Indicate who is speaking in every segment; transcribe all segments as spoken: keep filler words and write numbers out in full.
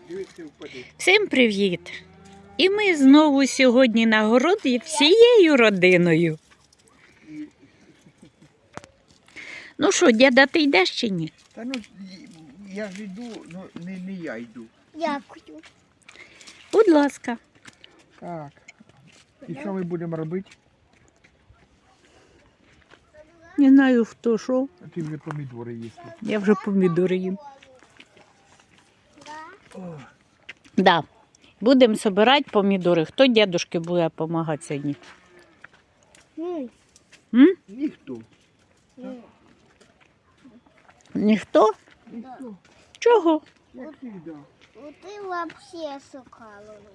Speaker 1: Всім привіт! І ми знову сьогодні на городі всією родиною. Ну що, діда, ти йдеш чи ні?
Speaker 2: Та ну, я ж йду, ну не, не я йду.
Speaker 3: Дякую.
Speaker 1: Будь ласка.
Speaker 2: Так. І що ми будемо робити?
Speaker 1: Не знаю, хто що.
Speaker 2: А ти вже помідори їсти.
Speaker 1: Я вже помідори їм.
Speaker 2: О,
Speaker 1: Да. Будемо збирати помідори. Хто дідушки буде допомагати сьогодні?
Speaker 3: М,
Speaker 1: М?
Speaker 2: ніхто.
Speaker 3: м.
Speaker 1: Ніхто?
Speaker 2: Ніхто.
Speaker 1: Чого?
Speaker 2: Як завжди.
Speaker 3: Ну ти вообще сокаловий.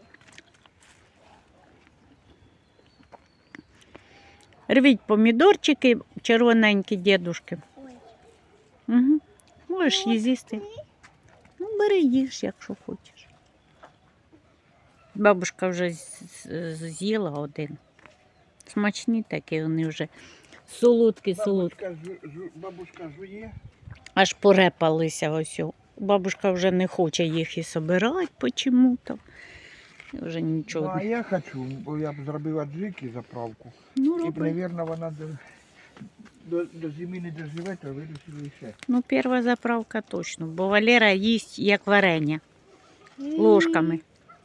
Speaker 1: Рвіть помідорчики, червоненькі дідушки.
Speaker 3: Ой.
Speaker 1: Угу. Можеш її з'їсти. Ну, бери їж, якщо хочеш. Бабушка вже з- з- з'їла один. Смачні такі, вони вже солодкі, солодкі.
Speaker 2: Бабушка, жу, жу, бабушка жує.
Speaker 1: Аж порепалися ось. о. Бабушка вже не хоче їх і собирати почему-то. Вже
Speaker 2: Ну,
Speaker 1: нічого.
Speaker 2: а я хочу, бо я б зробив аджики заправку.
Speaker 1: Ну,
Speaker 2: І,
Speaker 1: роби.
Speaker 2: мабуть, вона до, до, до зими не доживе, то вирішили ще.
Speaker 1: Ну, перша заправка точно, бо Валера їсть як варення ложками.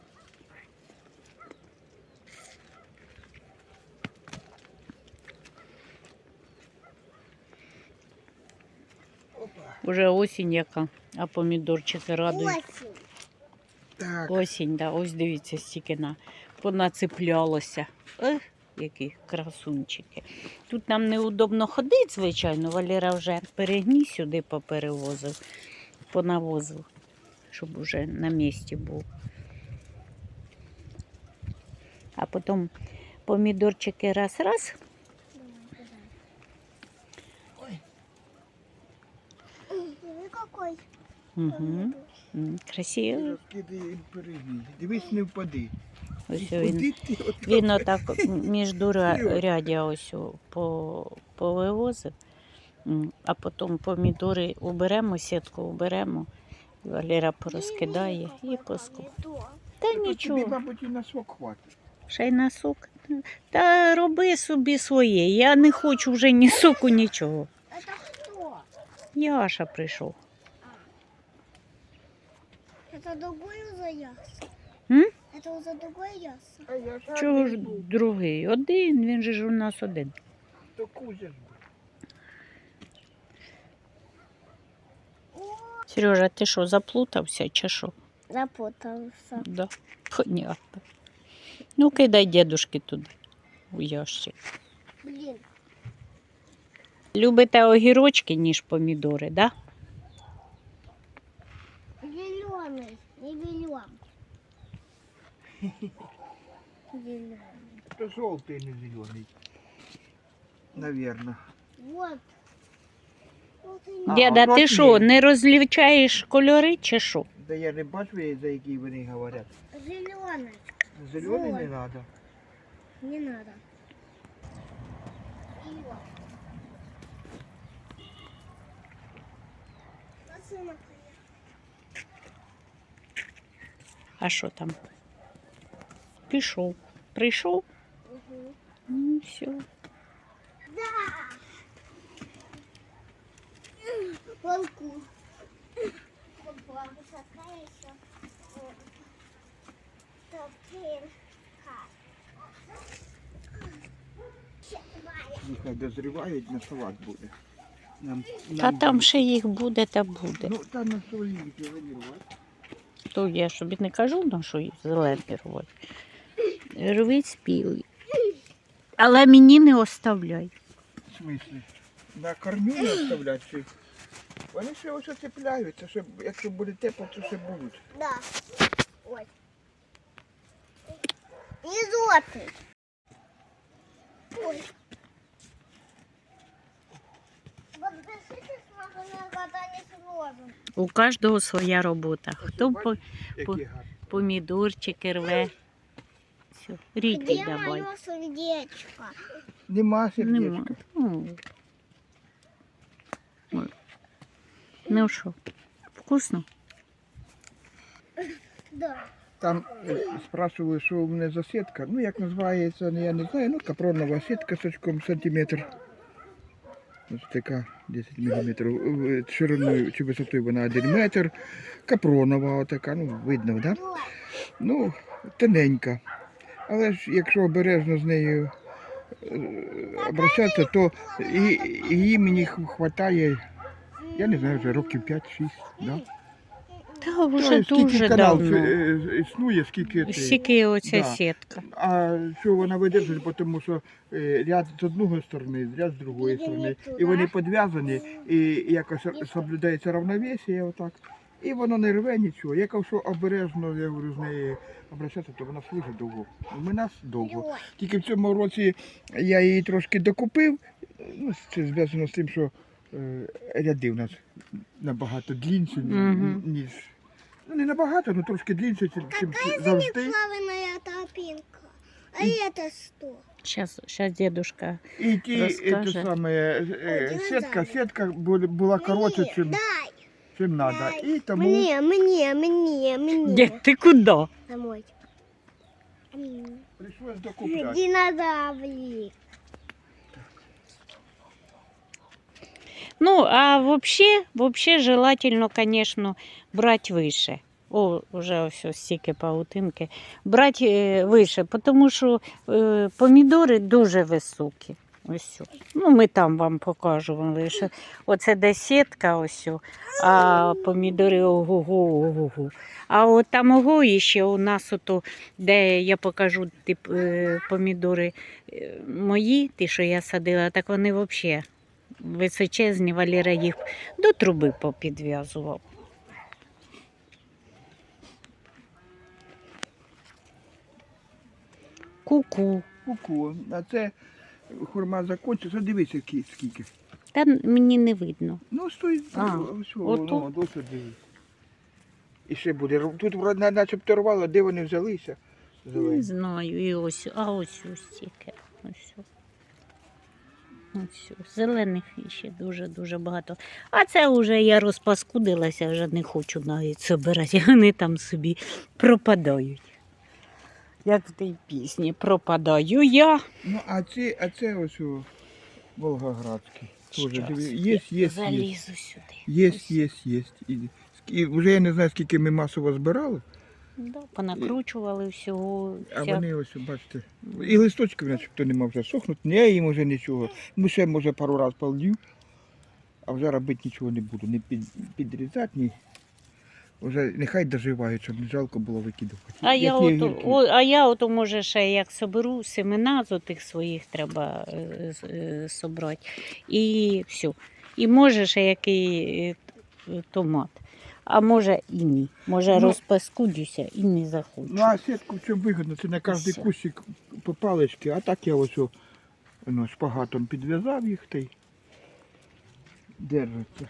Speaker 2: Опа.
Speaker 1: Уже осінь яка, а помідорчики радують.
Speaker 3: Осінь.
Speaker 2: Так.
Speaker 1: Осінь, да, ось дивіться, стільки на понацеплялося. Ех, які красунчики. Тут нам неудобно ходити, звичайно. Валера вже перегній сюди поперевозив, понавозив, щоб уже на місці був. А потім помідорчики раз-раз.
Speaker 2: Ой.
Speaker 3: Диви, какой.
Speaker 1: Угу. Красиво.
Speaker 2: Розкидай їм перегній. Дивись, не впади.
Speaker 1: Ось
Speaker 2: Куди
Speaker 1: він.
Speaker 2: ти от-
Speaker 1: Він отак між рядя ось о по, повивозив, М, а потім помідори уберемо, сітку уберемо, Валера порозкидає і поску.
Speaker 3: Помідор.
Speaker 1: Та
Speaker 2: Та тобі,
Speaker 1: нічого,
Speaker 2: мабуть, і на сок хватить.
Speaker 1: ще й на сок. Та роби собі своє, я не хочу вже ні соку, нічого.
Speaker 3: Это хто?
Speaker 1: Яша прийшов.
Speaker 3: Это другой за ясно.
Speaker 1: М?
Speaker 3: Это за другой ясно.
Speaker 2: А я ж
Speaker 1: Чого ж
Speaker 2: один був.
Speaker 1: другий? Один, він же ж у нас один.
Speaker 2: То Кузя ж був.
Speaker 1: Сережа, ти що, заплутався чи що?
Speaker 3: Запутался.
Speaker 1: Да, понятно. Ну, кидай дедушки туди, у ящик.
Speaker 3: Блин.
Speaker 1: Любите огірочки, ніж помідори, да?
Speaker 3: Зеленый. Не белен. Зеленый.
Speaker 2: То жовтий, не зелений. Навірно.
Speaker 3: Вот. Вот и
Speaker 2: А,
Speaker 1: Діда,
Speaker 2: отак
Speaker 1: ти що,
Speaker 2: ні.
Speaker 1: не розлічаєш кольори чи що?
Speaker 2: Да я не бачу, за які вони говорять.
Speaker 3: зеленый.
Speaker 2: Зелений не
Speaker 3: Вот.
Speaker 2: треба.
Speaker 3: Не надо. И вот. Машина
Speaker 1: А що там? Пішов. Прийшов?
Speaker 3: Угу.
Speaker 1: Ну, все.
Speaker 3: Да. Волку. Опа, высока еще.
Speaker 2: Нехай дозрівають, на салат буде. Нам,
Speaker 1: Та
Speaker 2: нам
Speaker 1: там
Speaker 2: буде.
Speaker 1: ще їх буде та буде.
Speaker 2: Ну, там на солі рвати.
Speaker 1: То я собі не кажу, на що їх зелені рвати. Рвіть спілий. Але мені не оставляй.
Speaker 2: В смислі? На корню не оставляти чи? Вони ще ось оцепляються, щоб, якщо буде тепло, то ще будуть.
Speaker 3: Да. Ой. Изотный. Ой. Подпишитесь на канал «Катание с розом».
Speaker 1: У кожного своя робота. Хто по,
Speaker 2: Які
Speaker 1: по-
Speaker 2: гарні.
Speaker 1: помідорчики рве. Все, рідкий
Speaker 3: Где
Speaker 1: давай.
Speaker 3: мое сердечко?
Speaker 2: Нема
Speaker 1: Нема.
Speaker 2: сердечка.
Speaker 1: Ну, Ой. Ну що, вкусно?
Speaker 3: Да.
Speaker 2: Там е, спрашивали, що у мене за сітка. Ну, як називається, ну, я не знаю. Ну, капронова сітка з очком сантиметр. Ось така десять міліметрів. Е, Шириною чи висотою вона один метр. Капронова отака, ну, видно, да? Ну, тоненька. Але ж якщо обережно з нею е, обращатися, то і, її мені вистачає, я не знаю, вже років п'ять-шість. Да?
Speaker 1: Та вже
Speaker 2: Ой, скільки
Speaker 1: дуже
Speaker 2: канал
Speaker 1: давно.
Speaker 2: е, існує, скільки цей.
Speaker 1: Скільки оця
Speaker 2: Да.
Speaker 1: сітка.
Speaker 2: А що вона видержить, тому що е, ряд з одної сторони, ряд з другої сторони. І вони підв'язані, і якось соблюдається равновесие отак. І воно не рве нічого. Якщо обережно, я говорю, з нею обращатися, то вона служить довго. У мене довго. Тільки в цьому році я її трошки докупив. Ну, це зв'язано з тим, що е, ряди у нас набагато длінші,
Speaker 1: Мгм.
Speaker 2: ніж. Ну, не набагато, але трошки длінші, ніж завжди.
Speaker 3: Плаваная тропинка. А это что?
Speaker 1: Щас, щас дедушка.
Speaker 2: І ті,
Speaker 1: Розкаже.
Speaker 2: це саме, е,
Speaker 3: Ой,
Speaker 2: сітка,
Speaker 3: динозавр.
Speaker 2: сітка була, була коротше,
Speaker 3: Мне,
Speaker 2: чим,
Speaker 3: дай.
Speaker 2: чим треба. І тому
Speaker 3: Мне, мне, мне, мне.
Speaker 1: Дід, ти куди?
Speaker 3: Домой. М.
Speaker 2: прийшлось докупляти.
Speaker 3: Динозаврик.
Speaker 1: Ну, а вообще, вообще желательно, конечно, брать выше. О, вже ось ось стільки паутинки. Брати е, вище, тому що е, помідори дуже високі. Ось. о. Ну, ми там вам покажемо. Що оце де сітка, ось, о, а помідори ого-го, ого-го. А от там ого ще у нас, ото, де я покажу тип, е, помідори е, мої, ті, що я садила, так вони взагалі височезні, Валера їх до труби попідв'язував. Ку-ку.
Speaker 2: Ку-ку. А це хурма закінчиться. Дивися, ки- скільки.
Speaker 1: Та мені не видно.
Speaker 2: Ну, стой,
Speaker 1: А,
Speaker 2: ось,
Speaker 1: отут?
Speaker 2: ну, досить дивись. І ще буде. Тут вроде начебто рвало, де вони взялися.
Speaker 1: Не
Speaker 2: Зелені.
Speaker 1: знаю. І ось, а ось ось тільки. Ось. о. Ось. о. Зелених ще дуже-дуже багато. А це вже я розпаскудилася, вже не хочу навіть збирати. Вони там собі пропадають. Як в тій пісні пропадаю я.
Speaker 2: Ну, а це, а це ось о, Волгоградський. Тоже,
Speaker 1: Щас
Speaker 2: диви,
Speaker 1: я
Speaker 2: є, є, є.
Speaker 1: залізу сюди.
Speaker 2: Є,
Speaker 1: Ось.
Speaker 2: є, є. І, і вже я не знаю, скільки ми масово збирали,
Speaker 1: Да, понакручували всього.
Speaker 2: а
Speaker 1: вся-
Speaker 2: вони ось, бачите, і листочків начебто нема вже сохнуть, не їм вже нічого. Ну ще може пару разів полью, а вже робити нічого не буду, не під, підрізати, ні. Вже нехай доживають, щоб не жалко було викидувати.
Speaker 1: А
Speaker 2: Як
Speaker 1: я,
Speaker 2: є
Speaker 1: ото,
Speaker 2: гіркі.
Speaker 1: о, а я ото, може, ще як соберу семена з отих своїх треба е, з- е, собрати. І все. І може ще який е, т- томат. А може і ні. Може
Speaker 2: Ну,
Speaker 1: розпаскудюся і не захочу.
Speaker 2: Ну а сітку в чому вигодно? Це на кожен
Speaker 1: Все.
Speaker 2: кущик по паличці, а так я ось о, ну, шпагатом підв'язав їх та й держаться.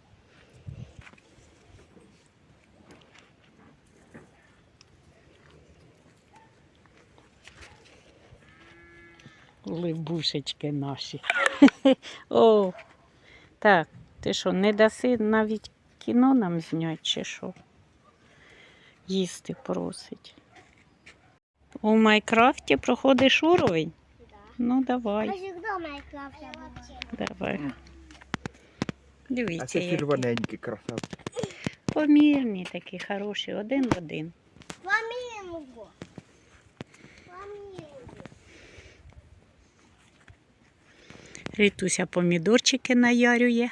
Speaker 1: Либушечки наші. О, так, ти що, не даси навіть кіно нам зняти, чи що? Їсти просить. У Майнкрафті проходиш уровень?
Speaker 3: Да.
Speaker 1: Ну,
Speaker 3: А
Speaker 1: давай,
Speaker 3: всегда Майнкрафт я буду.
Speaker 1: давай.
Speaker 2: Мгм. А
Speaker 1: Дивіться,
Speaker 2: це
Speaker 1: які
Speaker 2: червоненький красавці.
Speaker 1: помірні такі хороші, один в один.
Speaker 3: Фламинго. Фламинго.
Speaker 1: Рітуся помідорчики наярює.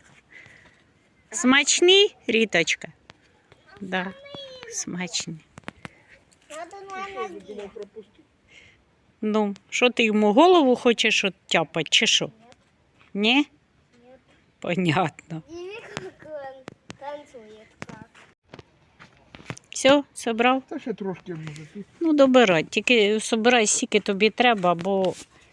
Speaker 1: Смачні, Ріточка? Да, смачні.
Speaker 3: Надо на ноге.
Speaker 1: Ну, що ти йому голову хочеш оттяпати, чи що? Ні?
Speaker 3: Нет.
Speaker 1: Понятно.
Speaker 3: И как он танцует как.
Speaker 1: Все, собрав?
Speaker 2: Та ще трошки може. тут.
Speaker 1: Ну, добирай. Тільки собирай, скільки тобі треба, бо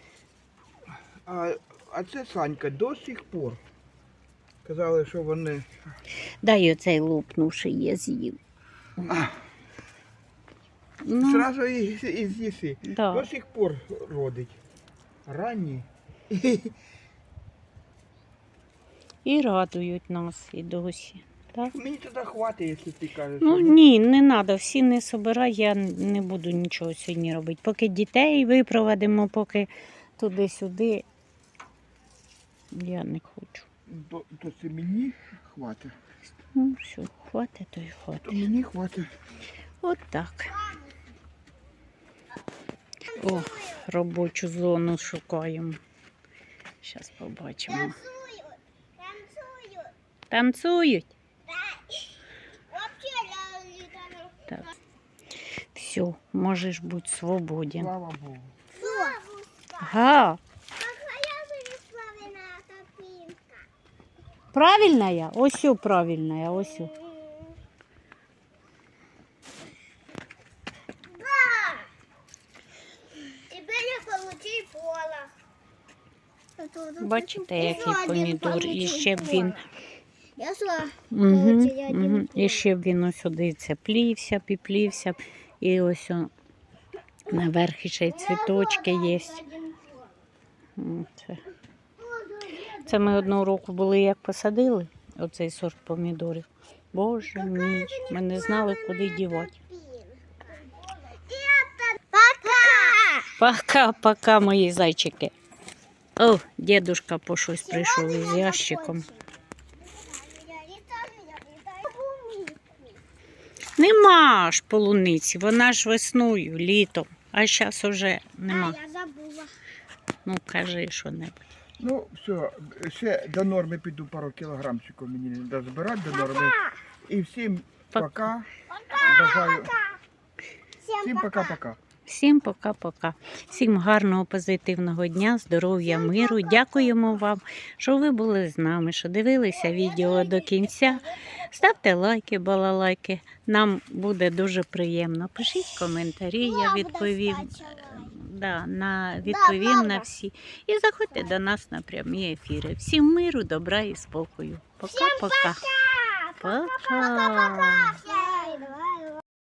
Speaker 2: А, а це Санька до сих пор. Казали, що вони.
Speaker 1: дай оцей лопнувший я з'їв.
Speaker 2: А,
Speaker 1: Ну,
Speaker 2: Зразу і, і з'їси.
Speaker 1: да.
Speaker 2: До сих пор родить. Ранні.
Speaker 1: І радують нас і досі. Так?
Speaker 2: Мені тоді хватить, якщо ти кажеш.
Speaker 1: Ну
Speaker 2: що
Speaker 1: ні, не треба, всі не собирай, я не буду нічого сьогодні робити. Поки дітей випровадимо, поки туди-сюди, я не хочу.
Speaker 2: То, то це мені хватить.
Speaker 1: Ну, все, хватить, то й
Speaker 2: То
Speaker 1: хватить.
Speaker 2: мені хватить.
Speaker 1: От так. О, робочу зону шукаємо. Зараз побачимо.
Speaker 3: Танцуют. Танцуют.
Speaker 1: Танцюють.
Speaker 3: Вообще ля- там-
Speaker 1: Так. Все, можеш бути свободен.
Speaker 2: Слава Богу.
Speaker 3: Бабушка,
Speaker 1: Га,
Speaker 3: какая же славяная картинка.
Speaker 1: правильна я? Ось о, правильна я, ось. о.
Speaker 3: Да! Теперь я получил полох.
Speaker 1: Бачите, який помідор. І ще б він,
Speaker 3: Я шла.
Speaker 1: угу,
Speaker 3: Получила один
Speaker 1: угу. І ще б він ось сюди це плівся, піплівся. І ось о, наверх ще й цвіточки є. М, Це. Це ми одного року були, як посадили оцей сорт помідорів. Боже мій, ми не знали, куди дівати.
Speaker 3: Пока!
Speaker 1: Пока-пока, мої зайчики. О, дедушка по щось прийшов із ящиком. Нема ж полуниці, вона ж весною, літом, а зараз уже нема.
Speaker 3: А, я забула.
Speaker 1: Ну, кажи що-небудь.
Speaker 2: Ну, все, ще до норми піду пару кілограмчиків мені треба збирати до норми. І всім пока. Бажаю. Всім пока-пока.
Speaker 1: Всім пока-пока. Всім гарного, позитивного дня, здоров'я, миру. Дякуємо вам, що ви були з нами, що дивилися відео до кінця. Ставте лайки, балалайки. Нам буде дуже приємно. Пишіть коментарі, я відповім. Да, на, відповім на
Speaker 3: правда.
Speaker 1: всі. І заходьте до нас на прямі ефіри. Всім миру, добра і спокою. Пока-пока. Пока.
Speaker 3: Пока-пока.